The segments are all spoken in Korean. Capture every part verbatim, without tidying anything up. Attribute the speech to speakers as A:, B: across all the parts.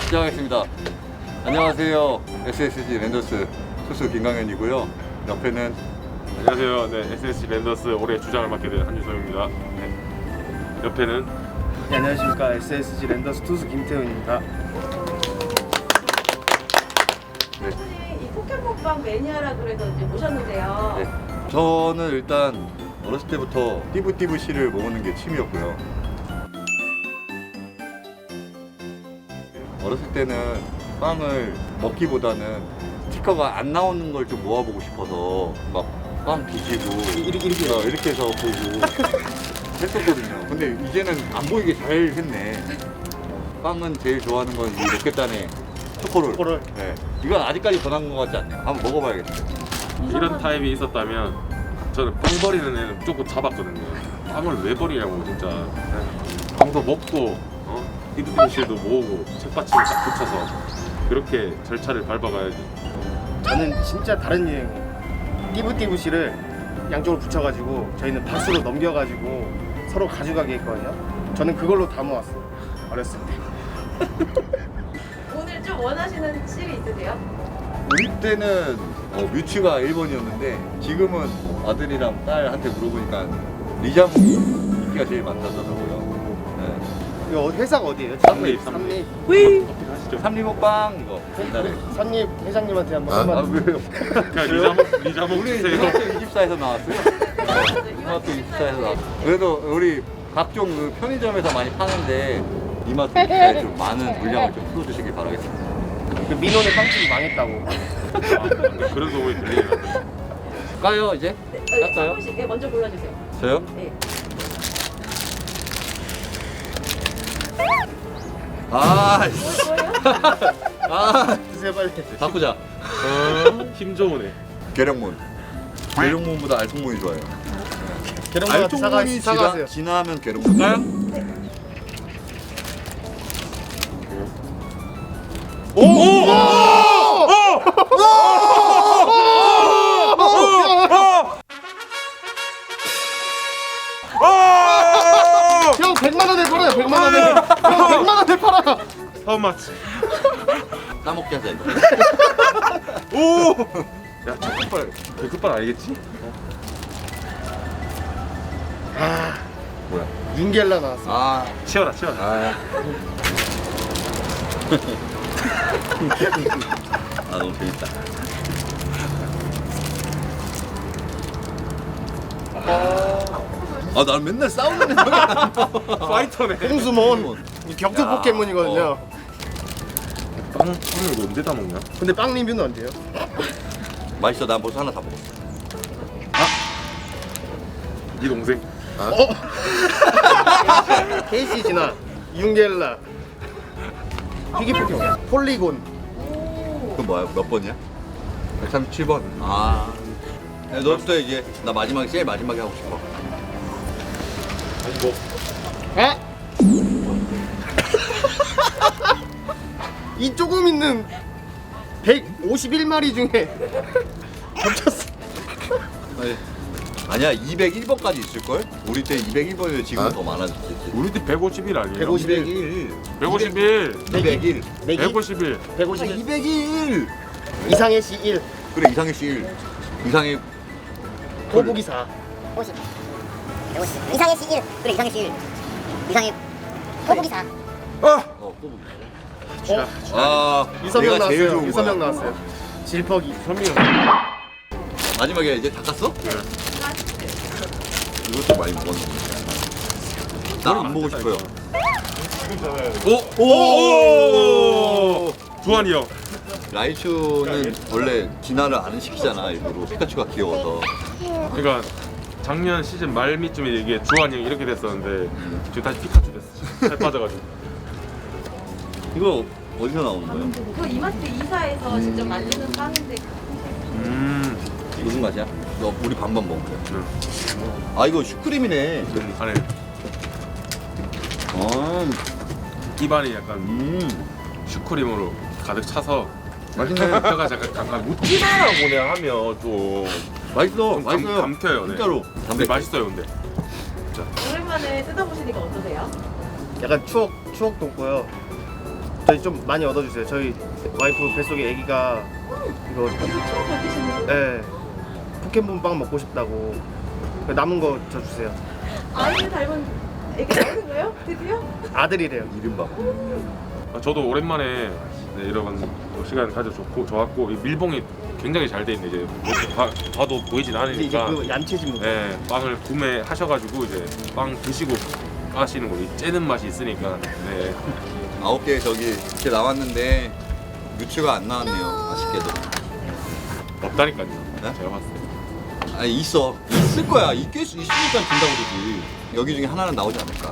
A: 시작하겠습니다. 안녕하세요. 에스에스지 랜더스 투수 김강현이고요. 옆에는
B: 안녕하세요. 네, 에스에스지 랜더스 올해 주장을 맡게 된 한유성입니다. 네. 옆에는
C: 네, 안녕하십니까. 에스에스지 랜더스 투수 김태훈입니다.
A: 네.
D: 이 포켓몬빵 매니아라 그래서 이제 모셨는데요.
A: 네. 저는 일단 어렸을 때부터 띠부띠부씨를 먹는 게 취미였고요. 어렸을 때는 빵을 먹기보다는 스티커가 안 나오는 걸 좀 모아보고 싶어서 막 빵 뒤지고
C: 이렇게, 이렇게.
A: 어, 이렇게 해서 보고 했었거든요. 근데 이제는 안 보이게 잘 했네. 빵은 제일 좋아하는 건 이 로켓단의 초코롤.
C: 초코롤.
A: 네. 이건 아직까지 변한 것 같지 않네요. 한번 먹어봐야겠어요.
B: 이런 타입이 있었다면 저는 빵 버리는 애는 무조건 잡았거든요. 빵을 왜 버리냐고 진짜. 네. 빵도 먹고 어? 띠부띠부실도 모으고 책받침을 딱 붙여서 그렇게 절차를 밟아가야지.
C: 저는 진짜 다른 유행이에요. 띠부띠부씨를 양쪽으로 붙여가지고 저희는 박스로 넘겨가지고 서로 가져가게 했거든요. 저는 그걸로 다 모았어요. 어렸을 때.
D: 오늘 좀 원하시는 실이 있으세요?
A: 우리 때는 어, 뮤츠가 일 번이었는데 지금은 아들이랑 딸한테 물어보니까 리자몽이 인기가 제일 많다더라고요. 네.
C: 이거 회사가 어디예요?
B: 삼립,
C: 삼립.
B: 커피 가시죠.
A: 삼리먹빵 이거 옛날에.
C: 삼립 회장님한테 한번
A: 아,
C: 한번.
A: 아 왜요?
B: 그냥 리자몽 리자몽
A: 우리
B: 주세요.
A: 중학교 이십사에서 나왔어요. 중학교 이십사에서 나왔어요. 그래도 우리 각종 그 편의점에서 많이 파는데 이마트 입사에 좀 많은 물량을 좀 풀어주시길 바라겠습니다.
C: 그 민원의 빵집이 망했다고.
B: 아, 그런 소문이 들리니까.
A: 까요 이제?
D: 네,
A: 깎아요?
D: 한 분씩 네, 먼저 골라주세요.
A: 저요?
D: 네.
A: 아,
D: 뭐, 뭐예요?
A: 아,
C: 드세요 빨리.
A: 바꾸자.
B: 어, 힘 좋으네.
A: 계룡문. 계룡문보다 알통문이 좋아요.
C: 계룡문한테 사과,
A: 알통문이
C: 사과하세요.
A: 지나, 지나면 계룡문. 까요?
B: 오! 오!
C: 형 백만 원에 팔아요. 백만 원에. 형 백만 원에 팔아요.
B: How much?
A: 따먹게 하자 이거.
B: 오! 야, 저 끝발, 저 끝발 알겠지?
C: 아,
A: 뭐야?
C: 윤겔라 나왔어.
A: 아,
B: 치워라, 치워라.
A: 아. 아 너무 재밌다. 아, 난 맨날 싸우는 애가
B: 파이터네.
C: 홍수몬. 이 격투
A: 야,
C: 포켓몬이거든요.
A: 어.
B: 빵, 빵을 이거 언제 다 먹냐?
C: 근데 빵 리뷰는 언제요?
A: 맛있어. 난 벌써 하나 다 먹었어.
B: 네 동생. 아,
C: 어? 케이시지나, 윤겔라, 피기 포켓몬, 폴리곤.
A: 그건 뭐야? 몇 번이야? 백삼십칠 번. 아. 야, 너부터 이제 나 마지막에 제일 마지막에 하고 싶어.
B: 아니 뭐
C: 에? 이 조금 있는 백오십일 마리 중에 겹쳤어.
A: 아니, 아니야, 이백일 번까지 있을걸? 우리 때 이백일 번이면 지금은 더 많아졌지.
B: 우리 때 백오십일 아니에요?
C: 백오십일.
A: 이백일.
B: 백오십일.
A: 이백일.
C: 내기
B: 백오십일.
C: 백오십일.
A: 이백일.
C: 이상해 씨 일,
A: 그래, 이상해 씨 일. 이상해.
C: 거북이 사.
E: 오십, 백오십. 이상의 씨 일. 그래 이상의 씨 일. 이상의 거북이 사.
A: 어, 꼬부기.
C: 어?
A: 아,
C: 유서명
A: 내가 제일
C: 나왔어요.
A: 좋은
C: 유서명
A: 거야.
C: 나왔어요. 질퍽이.
B: 선민이
A: 마지막에 이제 닦았어?
B: 네.
A: 이것도 많이 먹었는데. 나는 안 보고 싶어요.
B: 오! 오! 주한이 형.
A: 라이츄는 원래 진화를 안 시키잖아, 일부러. 피카츄가 귀여워서.
B: 그러니까 작년 시즌 말미쯤에 이게 주한이 형이 이렇게 됐었는데 지금 다시 피카츄 됐어. 살 빠져가지고.
A: 이거 어디서 나오는 거예요?
D: 그 이마트 이사에서 직접 만드는 빵인데
B: 음.
A: 무슨 맛이야? 너 우리 반반 먹을게.
B: 응.
A: 아, 이거 슈크림이네.
B: 안에
A: 아,
B: 입안이 약간
A: 음.
B: 슈크림으로 가득 차서
A: 맛있네.
B: 뼈가 약간 약간 묻지 마라고 그냥 하면 좀
A: 맛있어,
B: 감-
A: 맛있어요.
B: 감켜요, 네.
A: 진짜로.
B: 근데 맛있어요, 근데.
D: 오랜만에 뜯어보시니까 어떠세요?
C: 약간 추억 추억 돋고요. 저희 좀 많이 얻어주세요. 저희 와이프 뱃속에 아기가 이거 네, 포켓몬빵 먹고 싶다고 남은 거 저 주세요.
D: 아이를 닮은 애기 나오는 거예요? 드디어?
C: 아들이래요.
A: 이름 봐.
B: 아, 저도 오랜만에 네, 이런 시간 가져 좋고 좋았고 이 밀봉이 굉장히 잘 돼 있네. 이제 뭐 봐, 봐도 보이진
C: 근데 이제
B: 않으니까.
C: 그 얌체진 분.
B: 네, 빵을 구매하셔가지고 이제 빵 드시고 까시는 거, 이 째는 맛이 있으니까. 네.
A: 아홉 개 저기 이렇게 나왔는데 뮤츠가 안 나왔네요. 아쉽게도.
B: 없다니까요.
A: 네?
B: 제가 봤을 때.
A: 아 있어. 있을 거야. 있겠 있으니까 준다고 그러지. 여기 중에 하나는 나오지 않을까.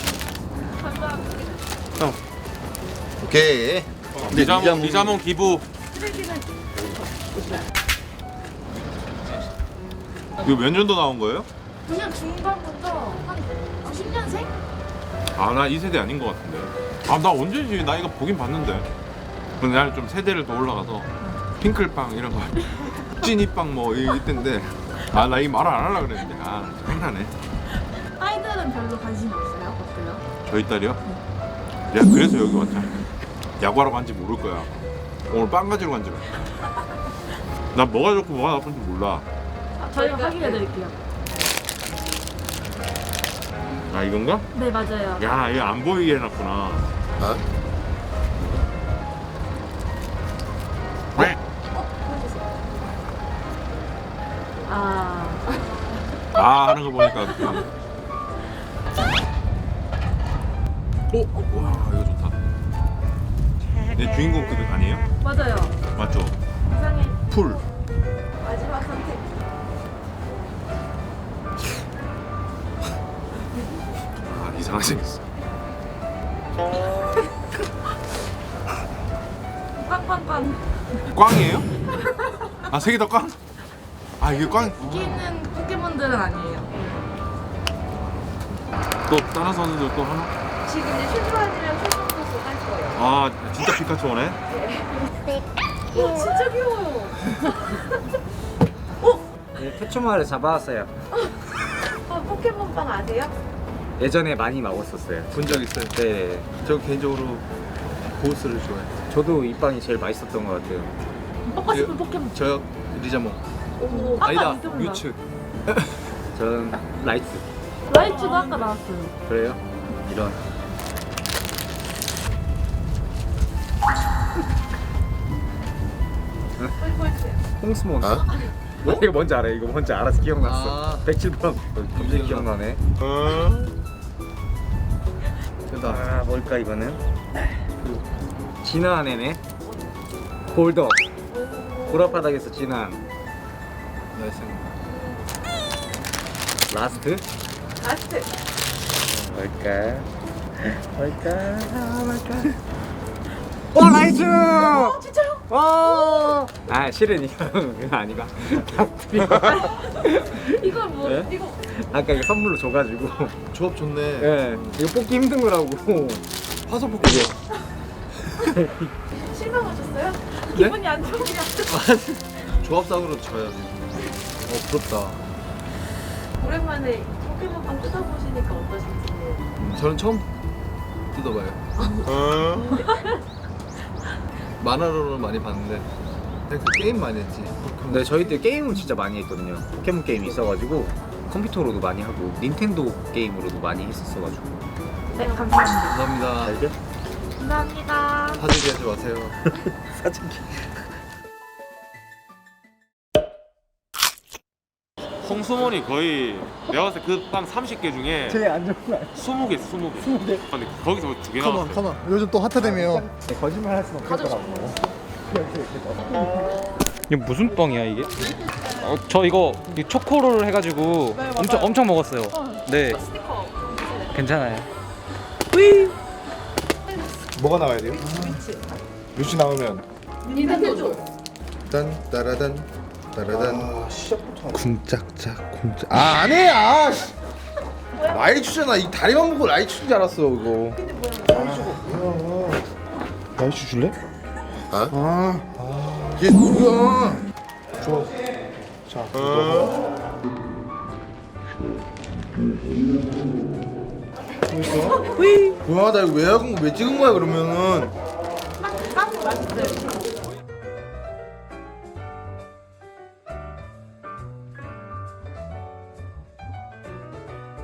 C: 형.
A: 오케이. 근데
B: 리자몽,
A: 리자몽-
B: 리자몽 기부.
F: 이거 몇 년도 나온 거예요?
G: 그냥 중반부터 한 구십 년생?
F: 아, 나 이 세대 아닌 것 같은데. 아, 나 언제지? 나 이거 보긴 봤는데. 근데 나는 좀 세대를 더 올라가서 핑클빵 이런 거, 찐이빵 뭐 이- 이때인데. 아, 나 이 말 안 하려고 그랬는데. 아, 생각나네.
G: 아이들은 별로 관심이 없어요? 어때요?
F: 저희 딸이요? 내가 그래서 여기 왔잖아. 야구하러 간지 모를 거야. 오늘 빵 가지러 간지. 난 뭐가 좋고 뭐가 나쁜지 몰라.
G: 아, 저희가 확인해 드릴게요.
F: 아, 이건가?
G: 네, 맞아요.
F: 야, 이거 안 보이게 해놨구나.
G: 아,
F: 아, 하는 거 보니까. 오, 와, 이거 좋다. 내 주인공 급 아니에요?
G: 맞아요.
F: 맞죠?
G: 이상해.
F: 풀.
D: 마지막 선택.
F: 아, 이상하게 생겼어.
G: 꽝꽝꽝.
F: 꽝이에요? 아, 세 개 다 꽝? 아, 이게 꽝?
G: 여기 있는 포켓몬들은 아니에요.
F: 또 다른 선수들 또 하나?
D: 지금 이제 슈퍼아이랑 슈퍼소스 할 거예요.
F: 아, 진짜 피카츄네.
D: 와 진짜 귀여워요.
H: 네, 태초마를 잡아왔어요.
D: 어, 포켓몬빵 아세요?
H: 예전에 많이 먹었었어요.
I: 본 적 있어요?
H: 네,
I: 저 개인적으로 고스를 좋아해요.
H: 저도 이 빵이 제일 맛있었던 것 같아요.
G: 먹고 싶은 포켓몬.
I: 저요? 리자몽.
D: 오.
G: 아까
I: 아니다.
G: 리자몽
I: 뮤츠.
H: 저는 라이트.
G: 라이츠도 아까 나왔어요.
H: 그래요? 이런. 홍스몬.
I: 어?
H: 뭐? 이거 뭔지 알아요? 이거 뭔지 알아서 기억났어.
I: 아.
H: 백칠 번. 갑자기 기억나네.
I: 됐다.
H: 아, 뭘까 이거는? 진화한 애네. 골더. 보라바닥에서 진화한.
I: 나이스.
H: 라스트.
D: 라스트.
H: 뭘까? 뭘까? 아, 뭘까? 어, 라이트!
D: 어 진짜요?
H: 어! 아, 실은 이거 그거 아니가.
G: 이거 뭐,
H: 네?
G: 이거.
H: 아까 이거 선물로 줘가지고.
I: 조합 좋네.
H: 예, 이거 뽑기 힘든 거라고.
I: 화소 포켓.
D: 실망하셨어요?
G: 기분이 안 좋으냐?
I: 조합상으로 져야지. 어 부럽다.
D: 오랜만에 포켓몬빵 뜯어보시니까 어떠신지.
I: 음, 저는 처음 뜯어봐요. 만화로는 많이 봤는데 그냥 그 게임 많이 했지.
H: 근데 저희 때 게임을 진짜 많이 했거든요. 포켓몬 게임이 있어가지고 컴퓨터로도 많이 하고 닌텐도 게임으로도 많이 했었어가지고.
G: 네, 감사합니다.
I: 감사합니다.
H: 알죠?
G: 감사합니다.
I: 사재기 하지 마세요.
H: 사진기.
B: 홍수몬이 거의 내가 봤을 때 그 빵 삼십 개 중에
H: 제일 안 좋은 거 아니야?
B: 스무 개, 스무 개. 스무 개. 근데 거기서 두 개 나왔어요.
I: 컴온. 요즘 또 핫하다며요.
H: 네, 거짓말 할 수는 없겠더라고.
J: 이게 무슨 빵이야 이게? 어, 저 이거 이 초코롤 해가지고 엄청 엄청 먹었어요. 네. 괜찮아요.
I: 뭐가 나와야 돼요? 뮤츠 나오면
D: 닌텐도.
I: 딴 따라단 따라단 쿵짝짝 쿵짝 아 안해 아 씨. 라이츄잖아 이 다리만 보고 라이츄인 줄 알았어 이거 아, 라이츄 줄래? 아? 아 이게 뭐야 좋아 자 이거 보였어? 뭐야 나 이거 왜 하고 왜 찍은 거야 그러면은
D: 맛있어요.